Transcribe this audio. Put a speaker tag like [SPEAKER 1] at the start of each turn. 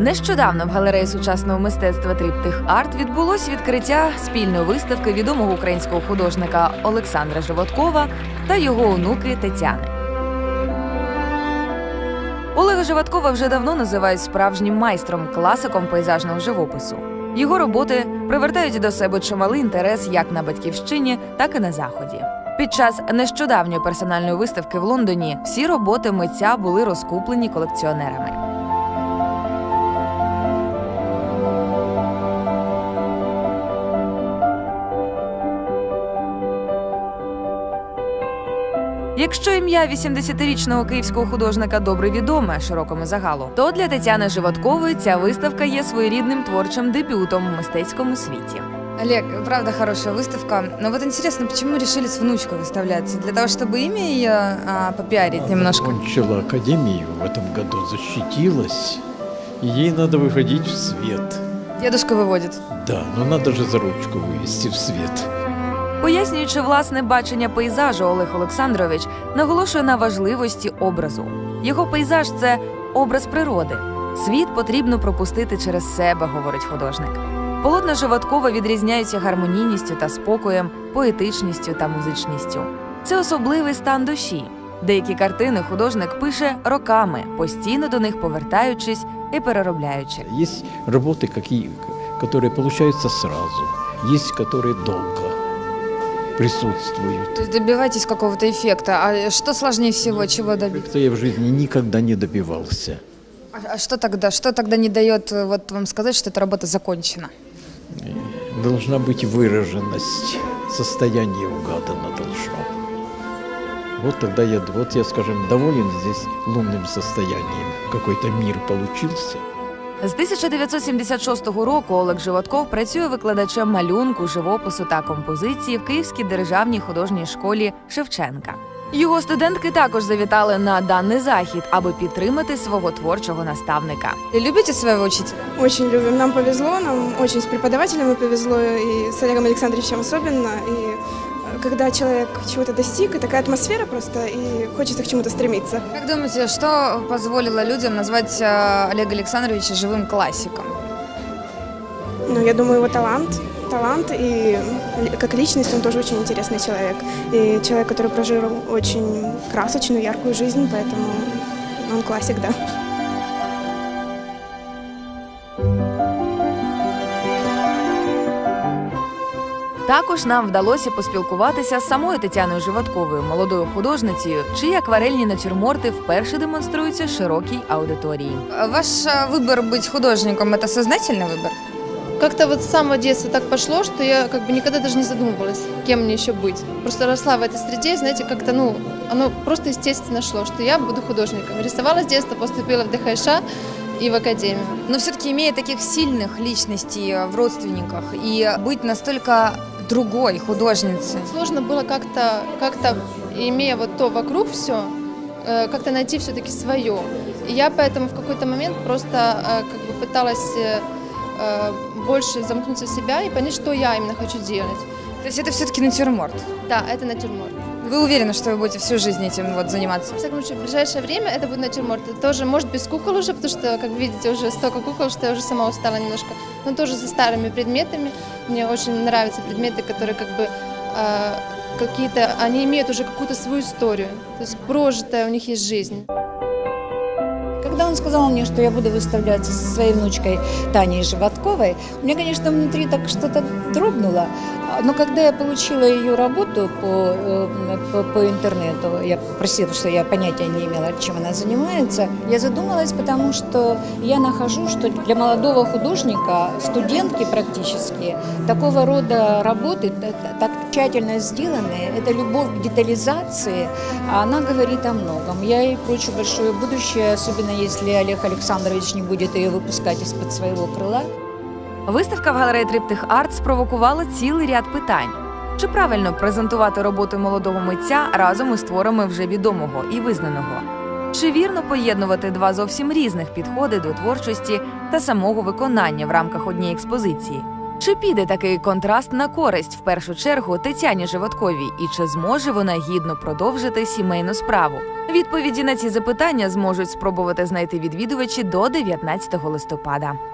[SPEAKER 1] Нещодавно в галереї сучасного мистецтва «Триптих Арт» відбулось відкриття спільної виставки відомого українського художника Олександра Животкова та його онуки Тетяни. Олега Животкова вже давно називають справжнім майстром, класиком пейзажного живопису. Його роботи привертають до себе чималий інтерес як на Батьківщині, так і на Заході. Під час нещодавньої персональної виставки в Лондоні всі роботи митця були розкуплені колекціонерами. Якщо ім'я 80-річного київського художника добре відоме широкому загалу, то для Тетяни Животкової ця виставка є своєрідним творчим дебютом в мистецькому світі.
[SPEAKER 2] Олег, правда хорошая выставка. Но вот интересно, почему решили с внучкой выставляться? Для того, чтобы имя ее попиарить немножко?
[SPEAKER 3] Окончила академию в этом году, защитилась, и ей надо выходить в свет.
[SPEAKER 2] Дедушка выводит.
[SPEAKER 3] Да, но надо же за ручку вывести в свет.
[SPEAKER 1] Пояснюючи власне бачення пейзажу, Олег Олександрович наголошує на важливості образу. Його пейзаж – це образ природи. Світ потрібно пропустити через себе, говорить художник. Полотна Животкова відрізняються гармонійністю та спокоєм, поетичністю та музичністю. Це особливий стан душі. Деякі картини художник пише роками, постійно до них повертаючись і переробляючи.
[SPEAKER 3] Есть работы, которые получаются сразу, есть которые долго присутствуют.
[SPEAKER 2] То есть добивайтесь какого-то эффекта. А что сложнее всего? Чего добиться?
[SPEAKER 3] Это я в жизни никогда не добивался.
[SPEAKER 2] А что тогда? Что тогда не дает вот вам сказать, что эта работа закончена?
[SPEAKER 3] Должна быть выраженность, состояние угадано должно. Вот тогда я, скажем, доволен здесь лунным состоянием. Какой-то мир получился.
[SPEAKER 1] З 1976 року Олег Животков працює викладачем малюнку, живопису та композиції в Київській державній художній школі Шевченка. Його студентки також завітали на даний захід, аби підтримати свого творчого наставника.
[SPEAKER 2] Любите своего учителя?
[SPEAKER 4] Очень любим. Нам повезло, нам очень с преподавателями повезло, и с Олегом Александровичем особенно. И когда человек чего-то достиг, и такая атмосфера просто, и хочется к чему-то стремиться.
[SPEAKER 2] Как думаете, что позволило людям назвать Олега Александровича живым классиком?
[SPEAKER 4] Ну, я думаю, его талант, и как личность он тоже очень интересный человек. И человек, который прожил очень красочную, яркую жизнь, поэтому он классик, да.
[SPEAKER 1] Також нам вдалося поспілкуватися з самою Тетяною Животковою, молодою художницею, чиї акварельні натюрморти вперше демонструються широкій аудиторії.
[SPEAKER 2] Ваш выбор быть художником – это сознательный выбор?
[SPEAKER 5] Как-то вот с самого детства так пошло, что я как бы никогда даже не задумывалась, кем мне еще быть. Просто росла в этой среде, знаете, как-то, оно просто естественно шло, что я буду художником. Рисовала с детства, поступила в ДХШ и в академию.
[SPEAKER 2] Но все-таки имея таких сильных личностей в родственниках и быть настолько другой художницей.
[SPEAKER 5] Сложно было как-то имея вот то вокруг все, как-то найти все-таки свое. И я поэтому в какой-то момент просто как бы пыталась больше замкнуться в себя и понять, что я именно хочу делать.
[SPEAKER 2] То есть это все-таки натюрморт?
[SPEAKER 5] Да, это натюрморт.
[SPEAKER 2] Вы уверены, что вы будете всю жизнь этим вот заниматься?
[SPEAKER 5] В всяком случае, в ближайшее время это будет натюрморт. Это тоже, может, без кукол уже, потому что, как видите, уже столько кукол, что я уже сама устала немножко. Но тоже со старыми предметами. Мне очень нравятся предметы, которые как бы какие-то, они имеют уже какую-то свою историю. То есть прожитая у них есть жизнь.
[SPEAKER 6] Когда он сказал мне, что я буду выставляться со своей внучкой Таней Животковой, у меня, конечно, внутри так что-то дрогнуло. Но когда я получила ее работу по интернету, я просила, что я понятия не имела, чем она занимается, я задумалась, потому что я нахожу, что для молодого художника, студентки практически, такого рода работы, так тщательно сделанные, это любовь к детализации, она говорит о многом. Я ей прочу большое будущее, особенно если Олег Александрович не будет ее выпускать из-под своего крыла.
[SPEAKER 1] Виставка в галереї «Триптих Арт» спровокувала цілий ряд питань. Чи правильно презентувати роботи молодого митця разом із творами вже відомого і визнаного? Чи вірно поєднувати два зовсім різних підходи до творчості та самого виконання в рамках однієї експозиції? Чи піде такий контраст на користь в першу чергу Тетяні Животковій, і чи зможе вона гідно продовжити сімейну справу? Відповіді на ці запитання зможуть спробувати знайти відвідувачі до 19 листопада.